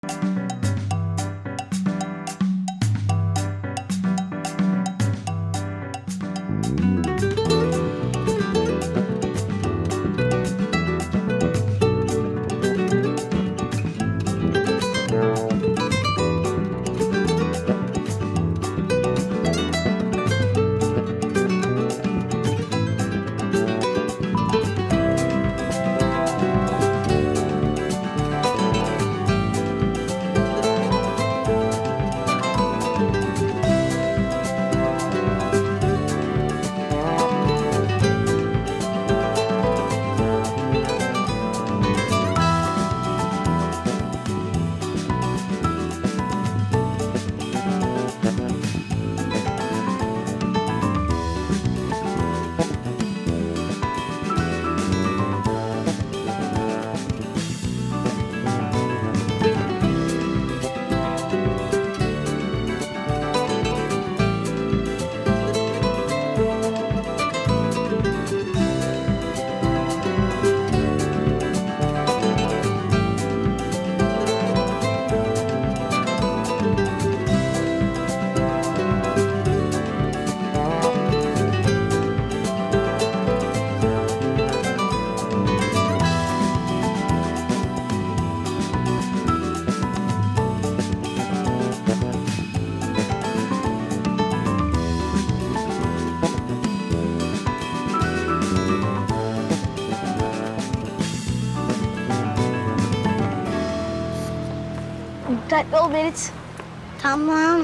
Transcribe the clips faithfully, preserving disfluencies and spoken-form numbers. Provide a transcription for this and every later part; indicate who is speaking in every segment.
Speaker 1: Dikkatli ol Berit.
Speaker 2: Tamam.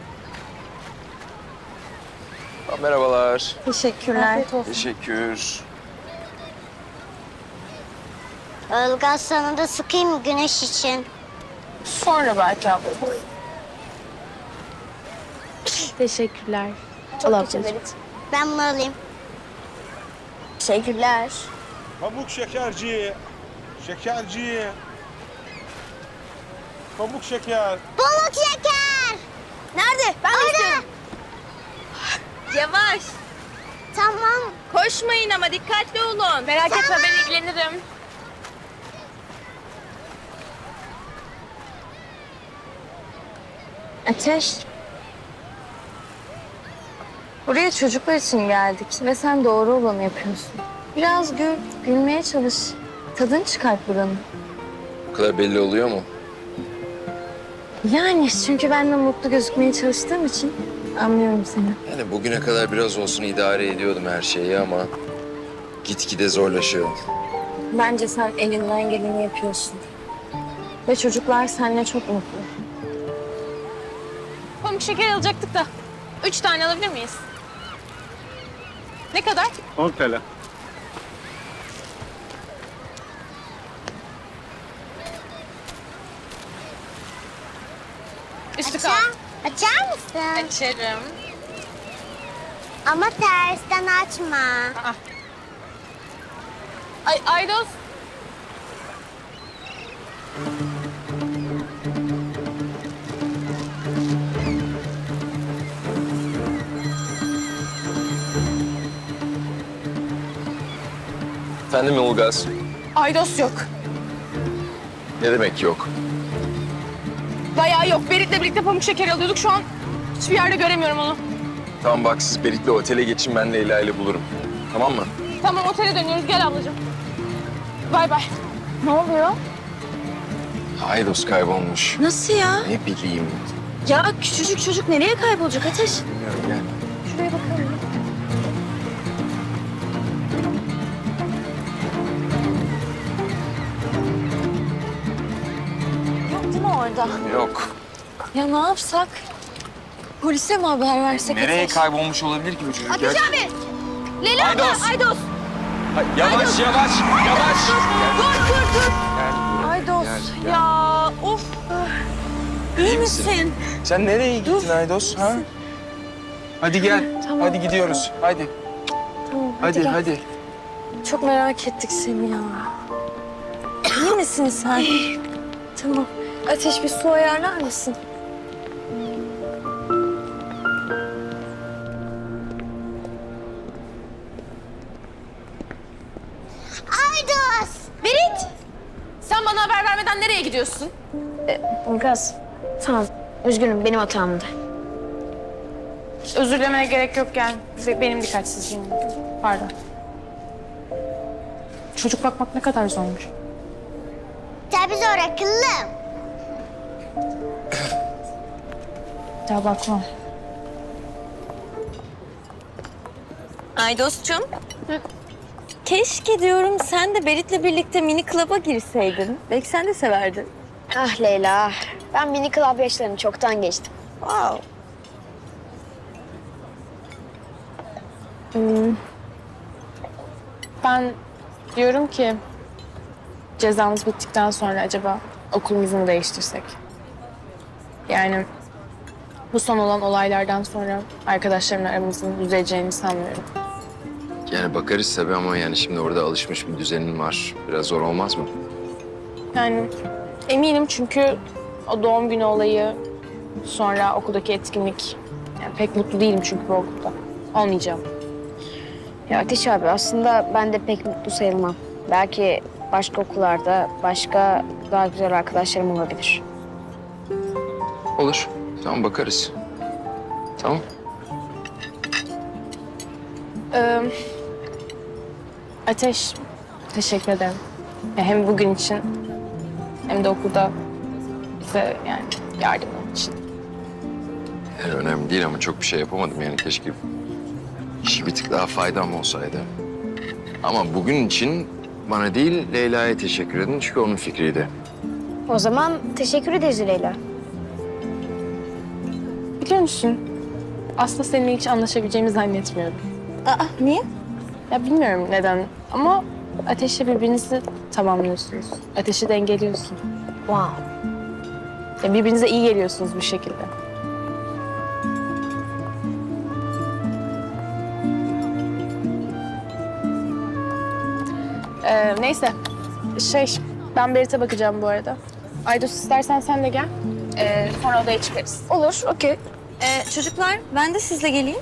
Speaker 3: Merhabalar.
Speaker 1: Teşekkürler. Afiyet olsun.
Speaker 3: Teşekkür.
Speaker 2: Ilgaz sana da sıkayım mı güneş için?
Speaker 1: Sonra belki abla. Teşekkürler. Çok teşekkür Berit.
Speaker 2: Ben bunu alayım.
Speaker 1: Teşekkürler.
Speaker 4: Pamuk şekerci. Şekerci. Pamuk şeker.
Speaker 2: Pamuk şeker.
Speaker 1: Nerede? Ben de istiyorum. Yavaş.
Speaker 2: Tamam.
Speaker 1: Koşmayın ama dikkatli olun. Merak etme ben ilgilenirim. Ateş. Buraya çocuklar için geldik ve sen doğru olanı yapıyorsun. Biraz gül, gülmeye çalış. Tadını çıkart buranın.
Speaker 3: Bu kadar belli oluyor mu?
Speaker 1: Yani çünkü ben de mutlu gözükmeye çalıştığım için anlıyorum seni.
Speaker 3: Yani bugüne kadar biraz olsun idare ediyordum her şeyi ama gitgide zorlaşıyor.
Speaker 1: Bence sen elinden geleni yapıyorsun. Ve çocuklar seninle çok mutlu.
Speaker 5: Pamuk şeker alacaktık da. Üç tane alabilir miyiz? Ne kadar?
Speaker 4: on T L.
Speaker 5: Üstü kal.
Speaker 2: Açar, açar mısın?
Speaker 5: Açarım.
Speaker 2: Ama tersten açma.
Speaker 5: Aa. Ay Aydos.
Speaker 3: Efendim Ilgaz?
Speaker 5: Aydos yok.
Speaker 3: Ne demek yok?
Speaker 5: Bayağı yok. Berit'le birlikte pamuk şeker alıyorduk. Şu an hiçbir yerde göremiyorum onu.
Speaker 3: Tamam bak siz Berit'le otele geçin ben Leyla ile bulurum. Tamam mı?
Speaker 5: Tamam otele dönüyoruz. Gel ablacığım. Bay bay.
Speaker 1: Ne oluyor?
Speaker 3: Aydos kaybolmuş.
Speaker 1: Nasıl ya?
Speaker 3: Ne bileyim.
Speaker 1: Ya küçücük çocuk nereye kaybolacak Ateş?
Speaker 3: Bilmiyorum gel.
Speaker 1: Şuraya bakalım. Yok değil mi orada?
Speaker 3: Yok.
Speaker 1: Ya ne yapsak? Polise mi haber versek
Speaker 3: Nereye
Speaker 1: Ateş?
Speaker 3: kaybolmuş olabilir ki bu çocuk?
Speaker 5: Ateş
Speaker 3: Gel.
Speaker 5: abi. Leyla abla.
Speaker 3: Aydos.
Speaker 5: Aydos.
Speaker 3: Ha, yavaş yavaş yavaş.
Speaker 5: Dur dur dur.
Speaker 3: Gel.
Speaker 1: Aydos.
Speaker 3: Gel, gel.
Speaker 5: Ya of.
Speaker 1: İyi
Speaker 3: misin?
Speaker 1: misin?
Speaker 3: Sen nereye gittin Aydos? Ha? Hadi gel.
Speaker 1: Tamam.
Speaker 3: Hadi gidiyoruz. Hadi.
Speaker 1: Tamam
Speaker 3: Hadi
Speaker 1: gel.
Speaker 3: hadi.
Speaker 1: Çok merak ettik seni ya. İyi misin sen? Tamam. Ateş bir su ayarlar mısın?
Speaker 2: Aydos.
Speaker 5: Berit. Sen bana haber vermeden nereye gidiyorsun?
Speaker 1: Ilgaz, tamam. Üzgünüm, benim hatamdı.
Speaker 5: Özür dilemene gerek yok yani. Benim dikkatsizliğim. Pardon. Çocuk bakmak ne kadar zormuş.
Speaker 2: Tabii zor akıllım.
Speaker 5: Ya bakmam.
Speaker 1: Ay dostum. Keşke diyorum sen de Berit'le birlikte mini club'a girseydin. Belki sen de severdin.
Speaker 6: Ah Leyla, ben mini club yaşlarını çoktan geçtim.
Speaker 1: Wow.
Speaker 5: Ben diyorum ki cezamız bittikten sonra acaba okulumuzu mu değiştirsek? Yani bu son olan olaylardan sonra arkadaşlarımla aramızın düzeleceğini sanmıyorum.
Speaker 3: Yani bakarız tabii ama yani şimdi orada alışmış bir düzenin var. Biraz zor olmaz mı?
Speaker 5: Yani eminim çünkü o doğum günü olayı, sonra okuldaki etkinlik. Yani pek mutlu değilim çünkü bu okulda. Olmayacağım.
Speaker 6: Ya Ateş abi aslında ben de pek mutlu sayılmam. Belki başka okullarda başka daha güzel arkadaşlarım olabilir.
Speaker 3: Olur. Tamam bakarız. Tamam.
Speaker 5: Ee, Ateş, teşekkür ederim. Ya hem bugün için hem de okulda bize yani yardımın için.
Speaker 3: Yani önemli değil ama çok bir şey yapamadım yani keşke işi bir tık daha faydam olsaydı. Ama bugün için bana değil Leyla'ya teşekkür edin çünkü onun fikriydi.
Speaker 6: O zaman teşekkür ederiz Leyla.
Speaker 5: Biliyor musun? Aslında seninle hiç anlaşabileceğimi zannetmiyordum.
Speaker 1: Aa, niye?
Speaker 5: Ya bilmiyorum neden ama Ateş'le birbirinizi tamamlıyorsunuz. Ateş'i dengeliyorsun.
Speaker 6: Wow.
Speaker 5: Ya birbirinize iyi geliyorsunuz bir şekilde. Ee, neyse. Şey, ben Berit'e bakacağım bu arada. Aydos istersen sen de gel. Ee, sonra odaya çıkarız.
Speaker 6: Olur, okey.
Speaker 1: Ee, çocuklar, ben de sizle geleyim.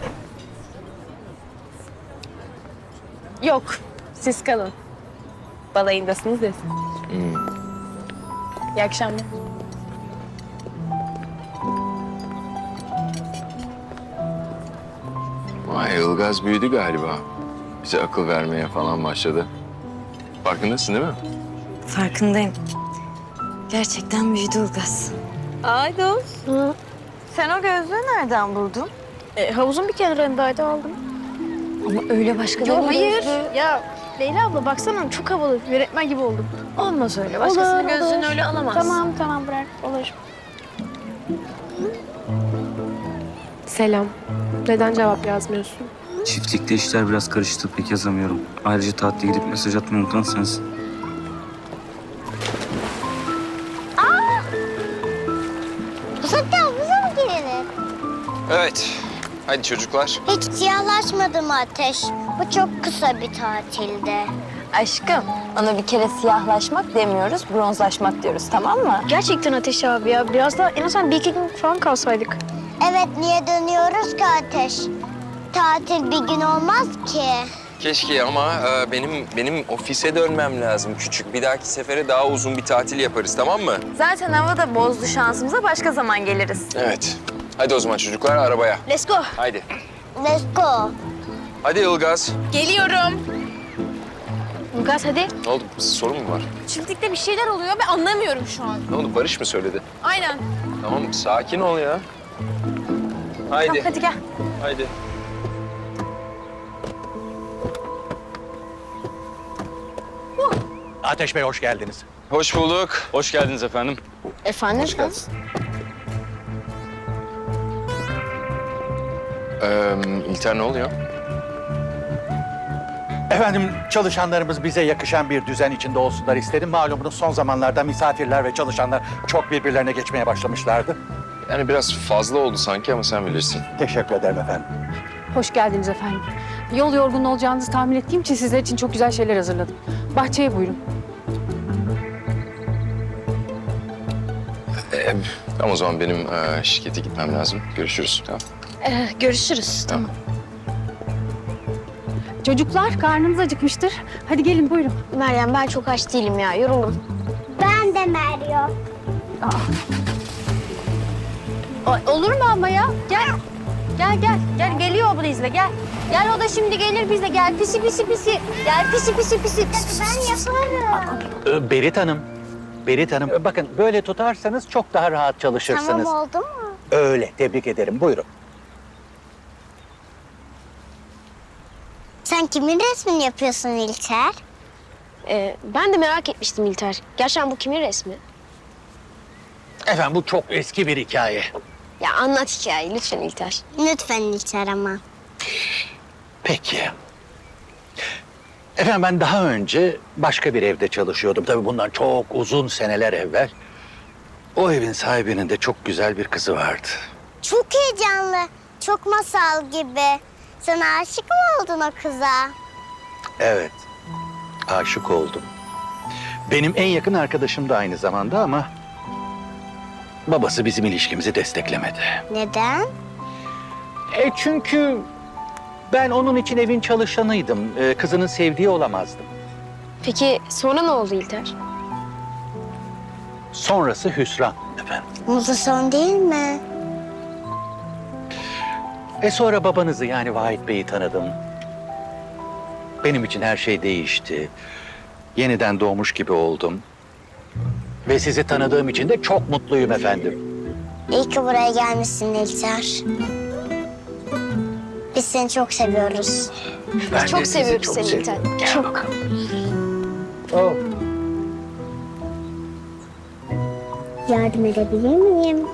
Speaker 5: Yok, siz kalın. Balayındasınız ya siz.
Speaker 3: Hmm.
Speaker 5: İyi akşamlar.
Speaker 3: Vay Ilgaz büyüdü galiba. Bize akıl vermeye falan başladı. Farkındasın değil mi?
Speaker 1: Farkındayım. Gerçekten büyüdü Ilgaz. Aydos. Sen o gözlüğü nereden buldun?
Speaker 6: E, havuzun bir kenarındaydı aldım.
Speaker 1: Ama öyle başka
Speaker 6: Yok hayır. Ya Leyla abla baksana çok havalı. Öğretmen gibi oldum.
Speaker 1: Olmaz öyle. Başkasının
Speaker 6: Olur,
Speaker 1: gözlüğünü
Speaker 6: olur.
Speaker 1: öyle alamazsın.
Speaker 6: Tamam tamam bırak olur.
Speaker 7: Selam. Neden cevap yazmıyorsun?
Speaker 8: Çiftlikte işler biraz karıştı, pek yazamıyorum. Ayrıca tatile gidip mesaj atmayı unutan sensin.
Speaker 2: Bu saatte havuza mı girilir?
Speaker 3: Evet. Hadi çocuklar.
Speaker 2: Hiç siyahlaşmadı mı Ateş? Bu çok kısa bir tatilde.
Speaker 1: Aşkım, ona bir kere siyahlaşmak demiyoruz, bronzlaşmak diyoruz, tamam mı?
Speaker 6: Gerçekten Ateş abi ya. Biraz daha en azından bir iki gün falan kalsaydık.
Speaker 2: Evet, niye dönüyoruz ki Ateş? Tatil bir gün olmaz ki.
Speaker 3: Keşke ama e, benim benim ofise dönmem lazım küçük. Bir dahaki sefere daha uzun bir tatil yaparız tamam mı?
Speaker 1: Zaten hava da bozdu şansımıza, başka zaman geliriz.
Speaker 3: Evet. Hadi o zaman çocuklar arabaya.
Speaker 6: Let's go.
Speaker 3: Haydi.
Speaker 2: Let's go.
Speaker 3: Hadi Ilgaz.
Speaker 5: Geliyorum.
Speaker 6: Ilgaz hadi.
Speaker 3: Ne oldu? Sorun mu var?
Speaker 5: Çiftlikte bir şeyler oluyor ve anlamıyorum şu an.
Speaker 3: Ne oldu? Barış mı söyledi?
Speaker 5: Aynen.
Speaker 3: Tamam sakin ol ya. Haydi.
Speaker 1: Hadi gel.
Speaker 3: Haydi.
Speaker 4: Ateş Bey hoş geldiniz.
Speaker 3: Hoş bulduk.
Speaker 8: Hoş geldiniz efendim.
Speaker 6: Efendim?
Speaker 3: Hoş geldin. Ee, İlter ne oluyor?
Speaker 9: Efendim çalışanlarımız bize yakışan bir düzen içinde olsunlar istedim. Malumunuz son zamanlarda misafirler ve çalışanlar çok birbirlerine geçmeye başlamışlardı.
Speaker 3: Yani biraz fazla oldu sanki ama sen bilirsin.
Speaker 9: Teşekkür ederim efendim.
Speaker 7: Hoş geldiniz efendim. Yol yorgun olacağınızı tahmin ettiğim için sizler için çok güzel şeyler hazırladım. Bahçeye buyurun.
Speaker 3: Ee, tamam o zaman benim e, şirkete gitmem lazım. Görüşürüz. Tamam.
Speaker 6: Ee, görüşürüz.
Speaker 3: Tamam.
Speaker 7: Çocuklar karnınız acıkmıştır. Hadi gelin buyurun.
Speaker 6: Meryem ben çok aç değilim ya. Yoruldum.
Speaker 2: Ben de Meryem.
Speaker 6: O- Olur mu ama ya? Gel. Gel gel. Gel geliyor Briz'le gel. Gel o da şimdi gelir bizle gel. Pisi pisi pisi. Gel pisi pisi pisi.
Speaker 2: Ben yaparım.
Speaker 9: Ee, Berit Hanım, Berit Hanım e, bakın böyle tutarsanız çok daha rahat çalışırsınız.
Speaker 2: Tamam oldu mu?
Speaker 9: Öyle, tebrik ederim. Buyurun.
Speaker 2: Sen kimin resmini yapıyorsun İlter?
Speaker 6: Ee, ben de merak etmiştim İlter. Gerçekten bu kimin resmi?
Speaker 9: Efendim bu çok eski bir hikaye.
Speaker 6: Ya anlat hikayeyi lütfen İlter.
Speaker 2: Lütfen İlter ama.
Speaker 9: Peki. Efendim ben daha önce başka bir evde çalışıyordum. Tabii bundan çok uzun seneler evvel. O evin sahibinin de çok güzel bir kızı vardı.
Speaker 2: Çok heyecanlı. Çok masal gibi. Sen aşık mı oldun o kıza?
Speaker 9: Evet, aşık oldum. Benim en yakın arkadaşım da aynı zamanda ama... babası bizim ilişkimizi desteklemedi.
Speaker 2: Neden?
Speaker 9: E çünkü ben onun için evin çalışanıydım. E, kızının sevdiği olamazdım.
Speaker 6: Peki sonra ne oldu İlter?
Speaker 9: Sonrası hüsran efendim.
Speaker 2: Mutlu son değil mi?
Speaker 9: E sonra babanızı yani Vahit Bey'i tanıdım. Benim için her şey değişti. Yeniden doğmuş gibi oldum. Ve sizi tanıdığım için de çok mutluyum efendim.
Speaker 2: İyi ki buraya gelmişsin İlter. Biz seni çok seviyoruz.
Speaker 9: Ben de
Speaker 6: Çok
Speaker 9: sizi
Speaker 6: seviyoruz
Speaker 9: çok
Speaker 6: seni
Speaker 9: seviyorum.
Speaker 6: İlter.
Speaker 9: Gel
Speaker 6: Çok.
Speaker 9: bakalım. Oh.
Speaker 2: Yardım edebilir miyim?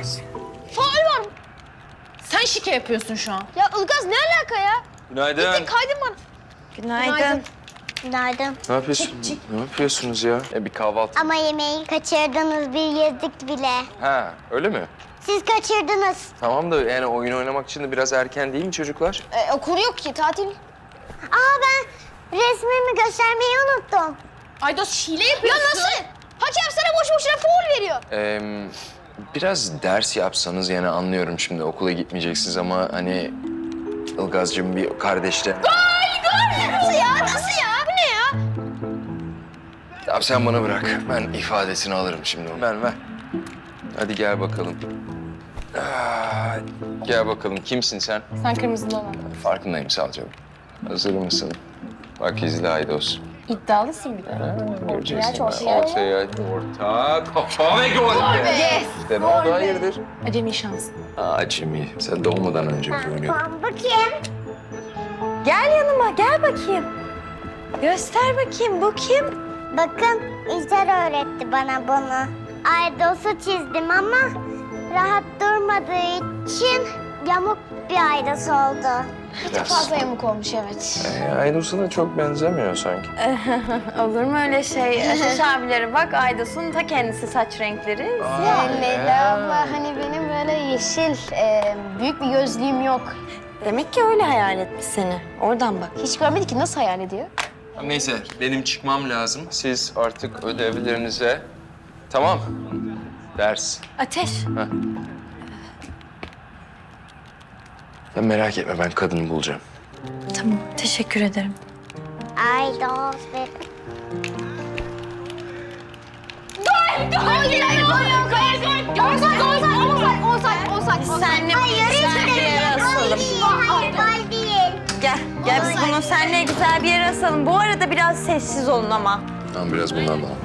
Speaker 5: Sen şike yapıyorsun şu an.
Speaker 6: Ya Ilgaz ne alaka ya?
Speaker 3: Günaydın.
Speaker 6: Kaydın bana.
Speaker 1: Günaydın.
Speaker 2: Günaydın.
Speaker 3: Ne yapıyorsun? Ne yapıyorsunuz ya? E, bir kahvaltı.
Speaker 2: Ama yemeği kaçırdınız, bir yedik bile.
Speaker 3: Ha, öyle mi?
Speaker 2: Siz kaçırdınız.
Speaker 3: Tamam da yani oyun oynamak için de biraz erken değil mi çocuklar?
Speaker 6: Ee, okul yok ki tatil.
Speaker 2: Aa ben resmimi göstermeyi unuttum.
Speaker 5: Aydos hile yapıyorsun.
Speaker 6: Ya nasıl? Hakem sana boş boşuna faul veriyor.
Speaker 3: Ee, biraz ders yapsanız yani anlıyorum şimdi okula gitmeyeceksiniz ama hani Ilgaz'cığım bir kardeşle...
Speaker 6: Nasıl ya? Nasıl ya? Bu ne ya?
Speaker 3: Tamam sen bana bırak. Ben ifadesini alırım şimdi. Ver ver. Hadi gel bakalım. Aa, gel bakalım. Kimsin sen?
Speaker 5: Sen kırmızılı olan.
Speaker 3: Farkındayım Salcığım. Hazır mısın? Bak izle Aydos.
Speaker 5: İddialısın bir de.
Speaker 3: Göreceksin.
Speaker 6: ortaya.
Speaker 3: Ortaya, orta, kafa ve gol.
Speaker 6: Yes.
Speaker 3: İşte ne oldu? Hayırdır?
Speaker 5: Acemi şans.
Speaker 3: Aa Jimmy, sen doğmadan önce biz oynuyorduk.
Speaker 2: Tamam bakayım.
Speaker 1: Gel yanıma, gel bakayım. Göster bakayım, bu kim?
Speaker 2: Bakın İlter öğretti bana bunu. Aydos'u çizdim ama rahat durmadığı için yamuk bir aydos oldu.
Speaker 3: Biraz.
Speaker 6: Fazla yamuk olmuş evet.
Speaker 3: Ee, Aydos'a da çok benzemiyor sanki.
Speaker 1: Olur mu öyle şey? Ateş abileri bak, Aydos'un ta kendisi saç renkleri.
Speaker 6: Ya Leyla abla hani benim böyle yeşil e, büyük bir gözlüğüm yok.
Speaker 1: Demek ki öyle hayal etmiş seni. Oradan bak.
Speaker 6: Hiç görmedi ki nasıl hayal ediyor?
Speaker 3: Neyse, benim çıkmam lazım. Siz artık ödevlerinize... Tamam. Ders.
Speaker 1: Ateş.
Speaker 3: Ya merak etme, ben kadını bulacağım.
Speaker 1: Tamam, teşekkür ederim.
Speaker 2: Aydos ve...
Speaker 1: Senle güzel bir yere asalım.
Speaker 2: Hayır, gol değil.
Speaker 1: Gel, gel biz bunu seninle güzel bir yere asalım. Bu arada biraz sessiz olun ama.
Speaker 3: Tamam, biraz bundan daha.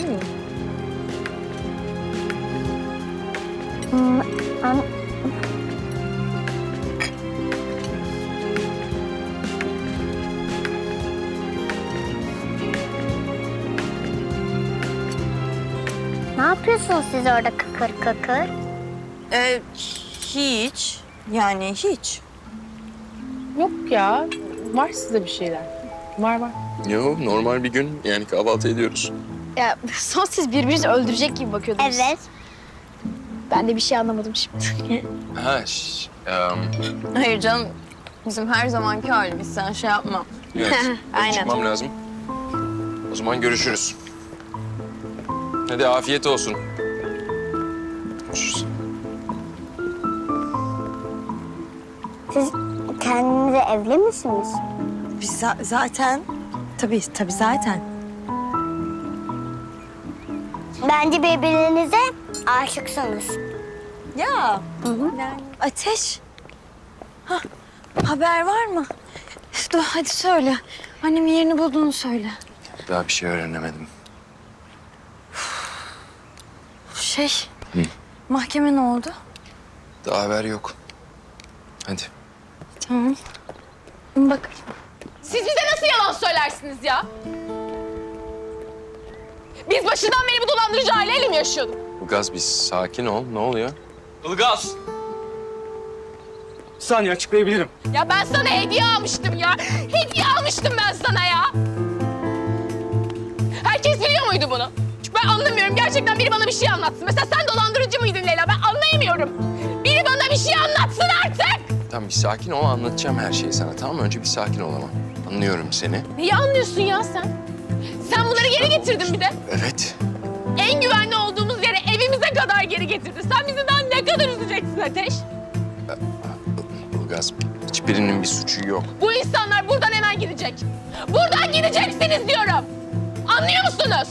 Speaker 2: Ne yapıyorsunuz siz orada kıkır kıkır?
Speaker 1: Ee, hiç. Yani hiç.
Speaker 5: Yok ya. Var sizde bir şeyler. Var var.
Speaker 3: Yo, normal bir gün. Yani kahvaltı ediyoruz.
Speaker 6: Ya son siz birbirinizi öldürecek gibi bakıyordunuz.
Speaker 2: Evet.
Speaker 6: Ben de bir şey anlamadım şimdi.
Speaker 3: Ha, şş, em,
Speaker 1: Hayır canım. Bizim her zamanki halimiz. Sen şey yapma.
Speaker 3: evet. Benim
Speaker 1: Aynen.
Speaker 3: çıkmam lazım. O zaman görüşürüz. Hadi afiyet olsun. Görüşürüz.
Speaker 2: Siz kendinize evli misiniz?
Speaker 1: Biz za- zaten... Tabii, tabii zaten.
Speaker 2: Bence birbirinize aşıksınız.
Speaker 1: Ya. Yani Ateş. Ha, haber var mı? Dur hadi söyle. Annemin yerini bulduğunu söyle.
Speaker 3: Daha bir şey öğrenemedim.
Speaker 1: Şey, mahkeme ne oldu?
Speaker 3: Daha haber yok. Hadi.
Speaker 1: Tamam. Bak.
Speaker 5: Siz bize nasıl yalan söylersiniz ya? Biz başından beri bu dolandırıcı aileyle mi yaşıyorduk?
Speaker 3: Ilgaz bir sakin ol. Ne oluyor?
Speaker 8: Ilgaz! Bir saniye açıklayabilirim.
Speaker 5: Ya ben sana hediye almıştım ya. Hediye almıştım ben sana ya. Herkes biliyor muydu bunu? Çünkü ben anlamıyorum. Gerçekten biri bana bir şey anlatsın. Mesela sen dolandırıcı mıydın Leyla? Ben anlayamıyorum. Biri bana bir şey anlatsın artık.
Speaker 3: Tamam bir sakin ol. Anlatacağım her şeyi sana. Tamam mı? Önce bir sakin ol ama. Anlıyorum seni.
Speaker 5: Neyi anlıyorsun ya sen? Sen bunları geri getirdin bir de.
Speaker 3: Evet.
Speaker 5: En güvenli olduğumuz yere evimize kadar geri getirdin. Sen bizi daha ne kadar üzeceksin Ateş?
Speaker 3: Ilgaz hiçbirinin bir suçu yok.
Speaker 5: Bu insanlar buradan hemen gidecek. Buradan gideceksiniz diyorum. Anlıyor musunuz?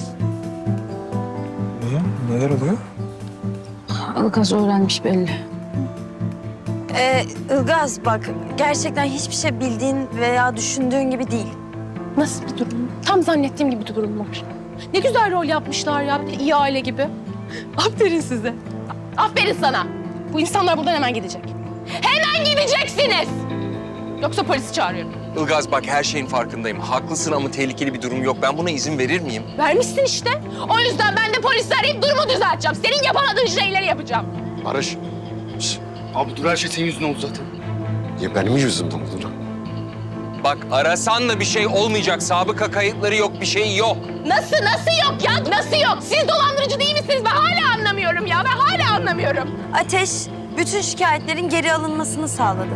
Speaker 4: Niye? Neler oluyor?
Speaker 7: Ilgaz öğrenmiş belli.
Speaker 1: Ee, Ilgaz bak, gerçekten hiçbir şey bildiğin veya düşündüğün gibi değil.
Speaker 5: Nasıl bir durum? Tam zannettiğim gibi bir durum var. Ne güzel rol yapmışlar ya, bir de iyi aile gibi. Aferin size. Aferin sana. Bu insanlar buradan hemen gidecek. Hemen gideceksiniz. Yoksa polisi çağırıyorum.
Speaker 3: Ilgaz bak her şeyin farkındayım. Haklısın ama tehlikeli bir durum yok. Ben buna izin verir miyim?
Speaker 5: Vermişsin işte. O yüzden ben de polisi arayıp durumu düzelteceğim. Senin yapamadığın şeyleri yapacağım.
Speaker 10: Barış. Şş, abi dur her şey senin yüzünden oldu zaten.
Speaker 3: Ya benim yüzümden olur. Bak arasan da bir şey olmayacak. Sabıka kayıtları yok, bir şey yok.
Speaker 5: Nasıl, nasıl yok ya? Nasıl yok? Siz dolandırıcı değil misiniz? Ben hala anlamıyorum ya. Ben hala anlamıyorum.
Speaker 1: Ateş, bütün şikayetlerin geri alınmasını sağladı.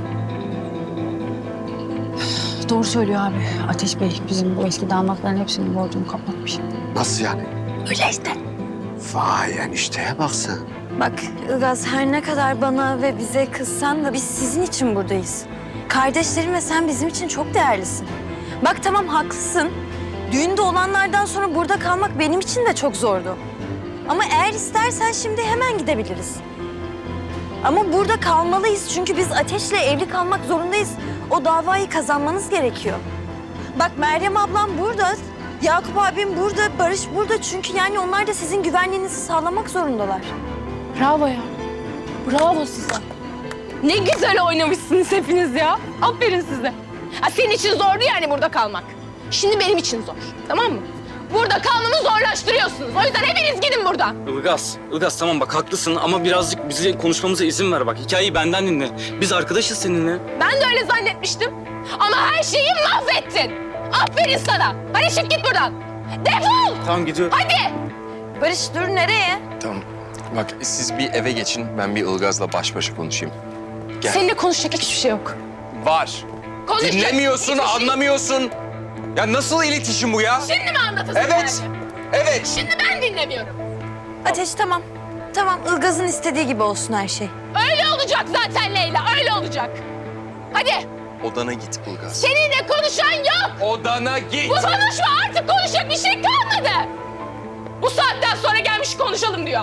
Speaker 7: Doğru söylüyor abi. Ateş Bey bizim bu eski damatların hepsinin borcunu kapatmış.
Speaker 10: Nasıl yani?
Speaker 7: Öyle işte.
Speaker 10: Vay enişteye bak sen.
Speaker 1: Bak Ilgaz, her ne kadar bana ve bize kızsan da biz sizin için buradayız. Kardeşlerim ve sen bizim için çok değerlisin. Bak tamam haklısın. Düğünde olanlardan sonra burada kalmak benim için de çok zordu. Ama eğer istersen şimdi hemen gidebiliriz. Ama burada kalmalıyız çünkü biz Ateş'le evli kalmak zorundayız. O davayı kazanmanız gerekiyor. Bak Meryem ablam burada, Yakup abim burada, Barış burada. Çünkü yani onlar da sizin güvenliğinizi sağlamak zorundalar.
Speaker 5: Bravo ya. Bravo size. Ne güzel oynamışsınız hepiniz ya. Aferin size. Ha, senin için zordu yani burada kalmak. Şimdi benim için zor. Tamam mı? Burada kalmamı zorlaştırıyorsunuz. O yüzden hepiniz gidin buradan.
Speaker 8: Ilgaz, Ilgaz tamam bak haklısın ama birazcık bize konuşmamıza izin ver bak. Hikayeyi benden dinle. Biz arkadaşız seninle.
Speaker 5: Ben de öyle zannetmiştim. Ama her şeyi mahvettin. Aferin sana. Hadi çık git buradan. Defol.
Speaker 8: Tamam gidiyorum.
Speaker 5: Hadi.
Speaker 1: Barış dur nereye?
Speaker 3: Tamam. Bak siz bir eve geçin. Ben bir Ilgaz'la baş başa konuşayım. Gel.
Speaker 5: Seninle konuşacak hiçbir şey yok.
Speaker 3: Var.
Speaker 5: Konuşacak
Speaker 3: Dinlemiyorsun,
Speaker 5: hiçbir şey-
Speaker 3: anlamıyorsun. Ya nasıl iletişim bu ya?
Speaker 5: Şimdi mi anlatasın
Speaker 3: Evet.
Speaker 5: yani?
Speaker 3: Evet.
Speaker 5: Şimdi ben dinlemiyorum.
Speaker 1: Ateş tamam. Tamam Ilgaz'ın istediği gibi olsun her şey.
Speaker 5: Öyle olacak zaten Leyla. Öyle olacak. Hadi.
Speaker 3: Odana git Ilgaz.
Speaker 5: Seninle konuşan yok.
Speaker 3: Odana git.
Speaker 5: Bu konuşma artık konuşacak bir şey kalmadı. Bu saatten sonra gelmiş konuşalım diyor.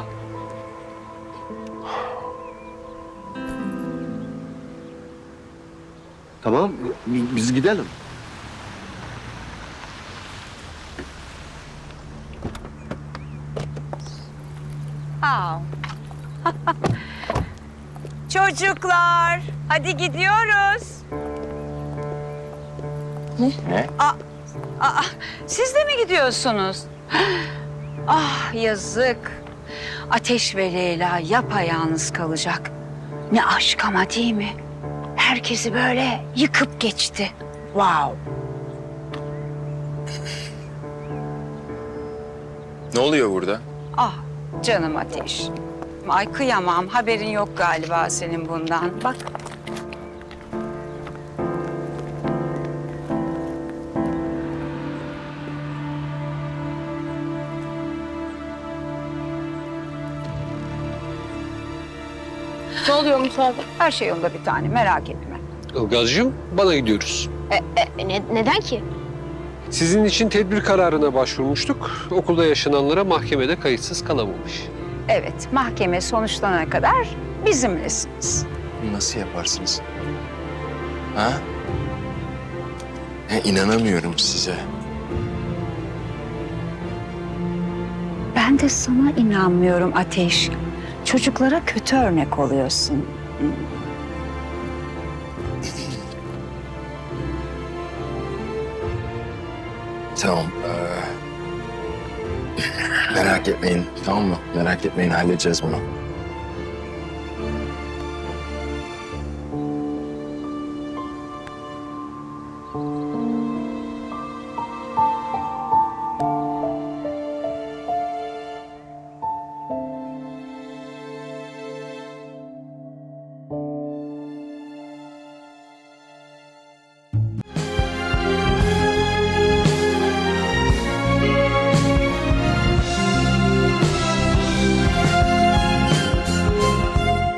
Speaker 10: Tamam biz gidelim.
Speaker 11: Çocuklar, hadi gidiyoruz.
Speaker 3: Ne?
Speaker 11: Aa, aa, siz de mi gidiyorsunuz? Ah yazık. Ateş ve Leyla yapayalnız kalacak. Ne aşk ama değil mi? Herkesi böyle yıkıp geçti. Wow.
Speaker 3: Ne oluyor burada?
Speaker 11: Ah canım Ateş. Ay kıyamam. Haberin yok galiba senin bundan. Bak.
Speaker 5: Ne oluyor Musa abi?
Speaker 11: Her şey yolunda bir tane merak etme.
Speaker 12: Ilgaz'cığım bana gidiyoruz.
Speaker 6: Ne, neden ki?
Speaker 12: Sizin için tedbir kararına başvurmuştuk. Okulda yaşananlara mahkemede kayıtsız kalamamış.
Speaker 11: Evet, mahkeme sonuçlanana kadar bizimlesiniz.
Speaker 3: Nasıl yaparsınız? Ha? Ya inanamıyorum size.
Speaker 11: Ben de sana inanmıyorum Ateş. Çocuklara kötü örnek oluyorsun.
Speaker 3: Tamam. eee, merak etmeyin, tamam mı? Merak etmeyin, halledeceğiz bunu.